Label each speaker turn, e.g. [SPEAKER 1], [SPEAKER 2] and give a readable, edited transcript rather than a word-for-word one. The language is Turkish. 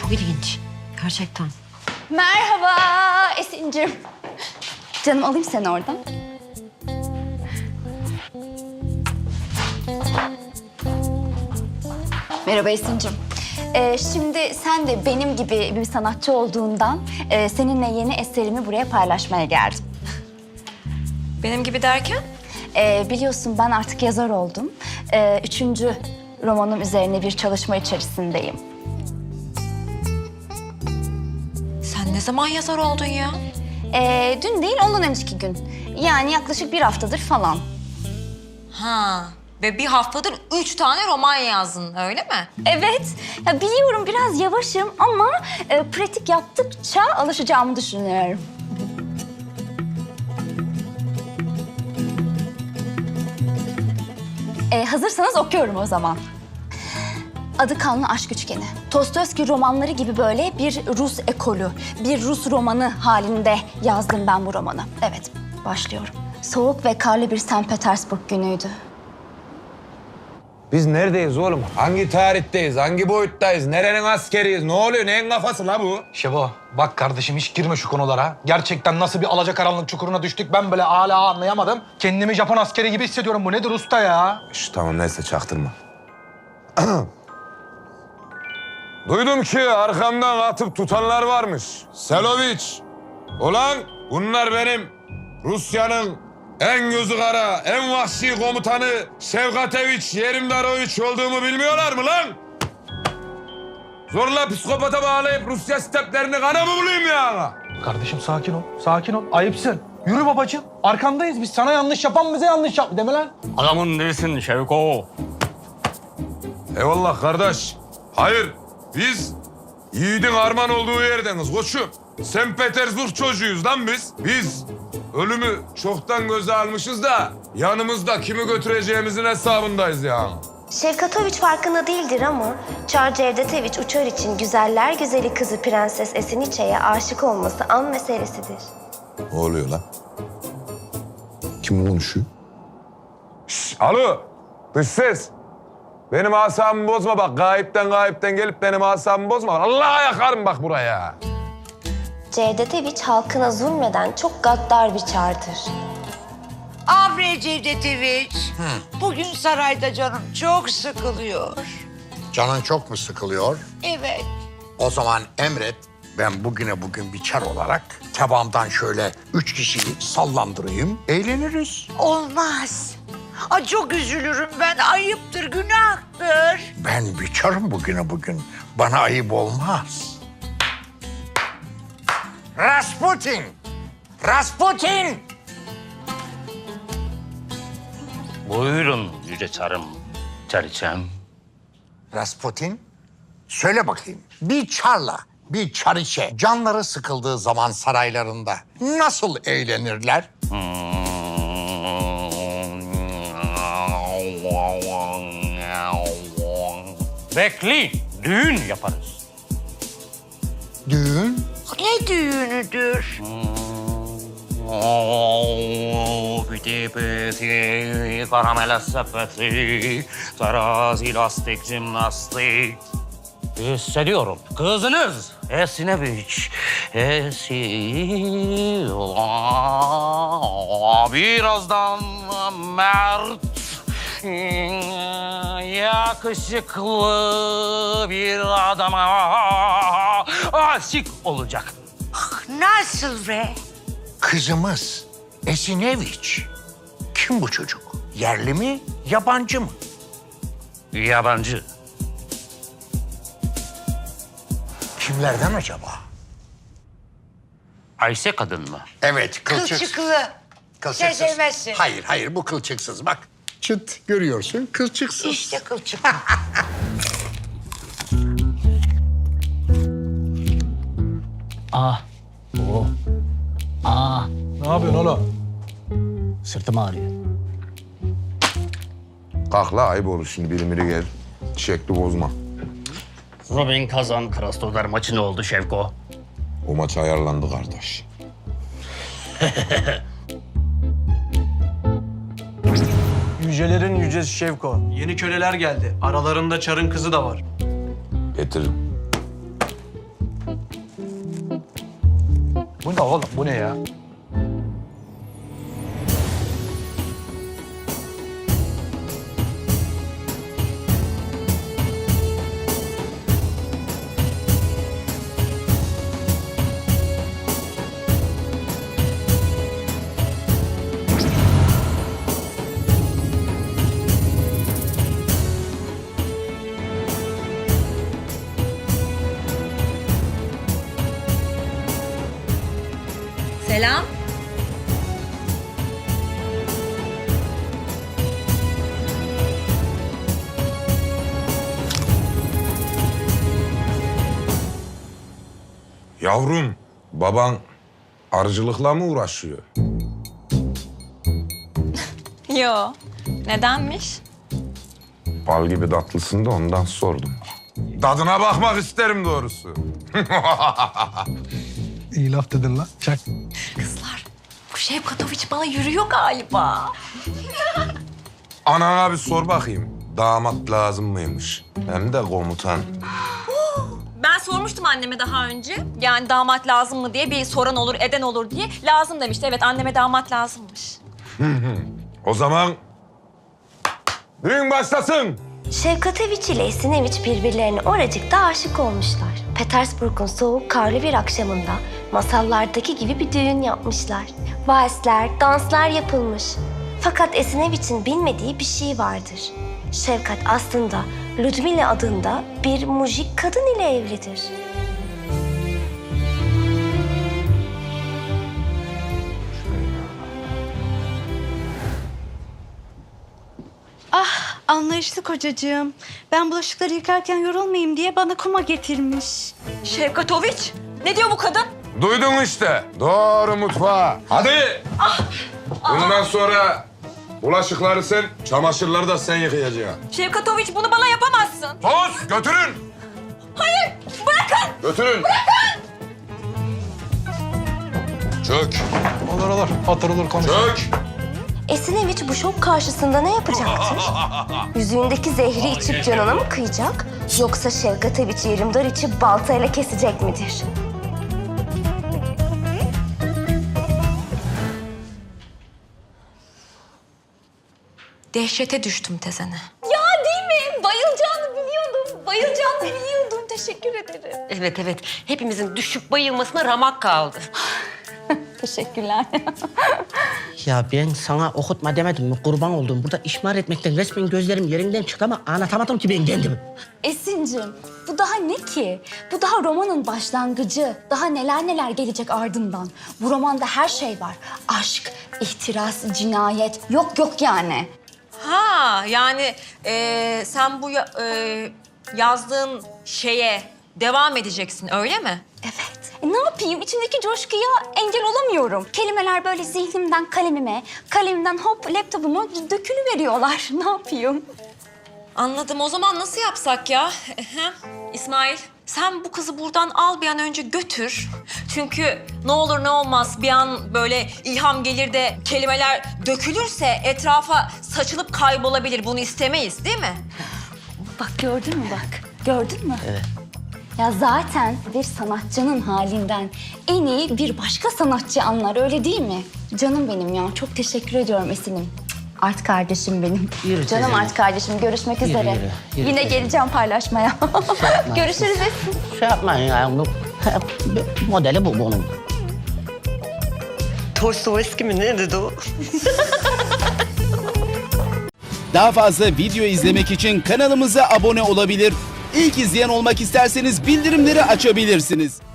[SPEAKER 1] Çok ilginç. Gerçekten.
[SPEAKER 2] Merhaba Esin'cim. Canım alayım seni oradan. Merhaba Esin'cim. Şimdi sen de benim gibi bir sanatçı olduğundan seninle yeni eserimi buraya paylaşmaya geldim.
[SPEAKER 1] Benim gibi derken?
[SPEAKER 2] Biliyorsun ben artık yazar oldum. 3. romanım üzerine bir çalışma içerisindeyim.
[SPEAKER 1] Sen ne zaman yazar oldun ya?
[SPEAKER 2] Dün değil, ondan önceki gün. Yani yaklaşık bir haftadır falan.
[SPEAKER 1] Ha. Ve bir haftadır 3 tane roman yazdın, öyle mi?
[SPEAKER 2] Evet, ya biliyorum biraz yavaşım ama pratik yaptıkça alışacağımı düşünüyorum. Hazırsanız okuyorum o zaman. Adı Kanlı Aşk Üçgeni. Dostoyevski romanları gibi böyle bir Rus ekolü, bir Rus romanı halinde yazdım ben bu romanı. Evet, başlıyorum. Soğuk ve karlı bir St. Petersburg günüydü.
[SPEAKER 3] Biz neredeyiz oğlum? Hangi tarihteyiz? Hangi boyuttayız? Nerenin askeriyiz? Ne oluyor? Neyin kafası la bu?
[SPEAKER 4] Şevo, bak kardeşim hiç girme şu konulara. Gerçekten nasıl bir alacakaranlık çukuruna düştük ben böyle hala anlayamadım. Kendimi Japon askeri gibi hissediyorum. Bu nedir usta ya?
[SPEAKER 3] Tamam neyse çaktırma. Duydum ki arkamdan atıp tutanlar varmış. Seloviç. Ulan bunlar benim Rusya'nın en gözü kara, en vahşi komutanı Şevkateviç Yerimdaroviç olduğumu bilmiyorlar mı lan? Zorla psikopata bağlayıp Rusya steplerini kana mı bulayım ya?
[SPEAKER 4] Kardeşim sakin ol, sakin ol. Ayıpsın. Yürü babacığım. Arkandayız biz. Sana yanlış yapan bize yanlış yap. Deme lan.
[SPEAKER 5] Adamın değilsin Şevko.
[SPEAKER 3] Eyvallah kardeş. Hayır, biz yiğidin armağan olduğu yerdeniz koçum. St. Petersburg çocuğuyuz lan biz. Biz ölümü çoktan göze almışız da yanımızda kimi götüreceğimizin hesabındayız ya.
[SPEAKER 6] Şevkatoviç farkında değildir ama Çar Cevdetoviç uçar için güzeller güzeli kızı Prenses Esiniçe'ye aşık olması an meselesidir.
[SPEAKER 3] Ne oluyor lan? Kim konuşuyor? Alo, dış ses. Benim asabımı bozma bak. Gayipten gelip benim asabımı bozma. Allah'a yakarım bak buraya.
[SPEAKER 6] Cevdetoviç halkına zulmeden çok gaddar bir çardır.
[SPEAKER 7] Abre Cevdetoviç, bugün sarayda canım çok sıkılıyor.
[SPEAKER 8] Canın çok mu sıkılıyor?
[SPEAKER 7] Evet.
[SPEAKER 8] O zaman emret, ben bugün bir çar olarak tebamdan şöyle 3 kişiyi sallandırayım, eğleniriz.
[SPEAKER 7] Olmaz. Ay çok üzülürüm ben, ayıptır, günahtır.
[SPEAKER 8] Ben bir çarım bugün, bana ayıp olmaz. Rasputin! Rasputin!
[SPEAKER 5] Buyurun yüce çarım, çariçem.
[SPEAKER 8] Rasputin, söyle bakayım, bir çarla bir çariçe canları sıkıldığı zaman saraylarında nasıl eğlenirler?
[SPEAKER 5] Bekleyin, düğün yaparız.
[SPEAKER 8] Düğün?
[SPEAKER 7] Ne düğünüdür?
[SPEAKER 5] Piti piti, karamele sepeti, terazi lastik jimnastik. Hissediyorum. Kızınız Esineviç. Birazdan mert, yakışıklı bir adama aşık olacak.
[SPEAKER 7] Nasıl be?
[SPEAKER 8] Kızımız Esineviç. Kim bu çocuk? Yerli mi, yabancı mı?
[SPEAKER 5] Yabancı.
[SPEAKER 8] Kimlerden acaba?
[SPEAKER 5] Ayşe kadın mı?
[SPEAKER 8] Evet, kılçık.
[SPEAKER 7] Kılçıklı. Sen sevmezsin.
[SPEAKER 8] Hayır, bu kılçıksız. Bak, çıt görüyorsun, kılçıksız.
[SPEAKER 7] İşte kılçıklı.
[SPEAKER 4] Ne yapıyorsun oğlum?
[SPEAKER 5] Sırtım ağrıyor.
[SPEAKER 3] Kalk la ayıp olur şimdi biri gel. Şekli bozma.
[SPEAKER 5] Robin Kazan Krasnodar maçı ne oldu Şevko?
[SPEAKER 3] O maç ayarlandı kardeş.
[SPEAKER 9] Yücelerin yücesi Şevko. Yeni köleler geldi. Aralarında Çar'ın kızı da var.
[SPEAKER 3] Getir.
[SPEAKER 4] Bu ne oğlum? Bu ne ya?
[SPEAKER 1] Selam.
[SPEAKER 3] Yavrum, baban arıcılıkla mı uğraşıyor?
[SPEAKER 1] Yo. Nedenmiş?
[SPEAKER 3] Bal gibi tatlısın da ondan sordum. Tadına bakmak isterim doğrusu.
[SPEAKER 4] İyi laf dedin lan. Çak.
[SPEAKER 1] Kızlar, bu Şevkatoviç bana yürüyor galiba.
[SPEAKER 3] Anana bir sor bakayım. Damat lazım mıymış? Hem de komutan.
[SPEAKER 1] Ben sormuştum anneme daha önce. Yani damat lazım mı diye, bir soran olur, eden olur diye. Lazım demişti. Evet, anneme damat lazımmış.
[SPEAKER 3] O zaman düğün başlasın.
[SPEAKER 6] Şevkatoviç ile Esineviç birbirlerine oracıkta aşık olmuşlar. Petersburg'un soğuk karlı bir akşamında masallardaki gibi bir düğün yapmışlar. Valsler, danslar yapılmış. Fakat Esineviç'in bilmediği bir şey vardır. Şevkat aslında Ludmila adında bir mujik kadın ile evlidir.
[SPEAKER 10] Anlayışlı kocacığım. Ben bulaşıkları yıkarken yorulmayayım diye bana kuma getirmiş.
[SPEAKER 1] Şevkatoviç, ne diyor bu kadın?
[SPEAKER 3] Duydun işte. Doğru mutfağa. Hadi. Bundan sonra bulaşıkları sen, çamaşırları da sen yıkayacaksın.
[SPEAKER 1] Şevkatoviç, bunu bana yapamazsın.
[SPEAKER 3] Sus, götürün.
[SPEAKER 1] Hayır, bırakın.
[SPEAKER 3] Götürün. Bırakın. Çök,
[SPEAKER 4] Olur. Oturulur konuşulur.
[SPEAKER 3] çök.
[SPEAKER 6] Esineviç bu şok karşısında ne yapacaktır? Yüzüğündeki zehri içip canına mı kıyacak? Yoksa Şevkatoviç yerimdar içip baltayla kesecek midir?
[SPEAKER 1] Dehşete düştüm tezene.
[SPEAKER 2] Ya değil mi? Bayılacağını biliyordum. Bayılacağını biliyordum. Teşekkür ederim.
[SPEAKER 7] Evet. Hepimizin düşüp bayılmasına ramak kaldı.
[SPEAKER 2] Teşekkürler.
[SPEAKER 5] Ya ben sana okutma demedim mi? Kurban oldum. Burada işmar etmekten resmen gözlerim yerinden çıktı ama anlatamadım ki ben kendimi.
[SPEAKER 2] Esin'cim, bu daha ne ki? Bu daha romanın başlangıcı. Daha neler gelecek ardından. Bu romanda her şey var. Aşk, ihtiras, cinayet. Yok yani.
[SPEAKER 1] Ha, yani sen bu yazdığın şeye devam edeceksin, öyle mi?
[SPEAKER 2] Evet. Ne yapayım? İçimdeki coşkuya engel olamıyorum. Kelimeler böyle zihnimden kalemime, kalemimden hop laptopuma dökülüveriyorlar. Ne yapayım?
[SPEAKER 1] Anladım. O zaman nasıl yapsak ya? İsmail, sen bu kızı buradan al, bir an önce götür. Çünkü ne olur ne olmaz bir an böyle ilham gelir de kelimeler dökülürse etrafa saçılıp kaybolabilir. Bunu istemeyiz, değil mi?
[SPEAKER 2] Bak gördün mü bak? Gördün mü? Evet. Ya zaten bir sanatçının halinden en iyi bir başka sanatçı anlar, öyle değil mi? Canım benim ya. Çok teşekkür ediyorum Esin'im. Art kardeşim benim.
[SPEAKER 5] Yürü
[SPEAKER 2] Canım
[SPEAKER 5] teyzem.
[SPEAKER 2] art kardeşim. Görüşmek üzere.
[SPEAKER 5] yürü
[SPEAKER 2] Yine
[SPEAKER 5] teyzem.
[SPEAKER 2] geleceğim paylaşmaya. Görüşürüz Esin.
[SPEAKER 5] Şey yapmayın ya. Modeli bu bunun.
[SPEAKER 7] Dostoyevski mi ne dedi o?
[SPEAKER 11] Daha fazla video izlemek için kanalımıza abone olabilir. İlk izleyen olmak isterseniz bildirimleri açabilirsiniz.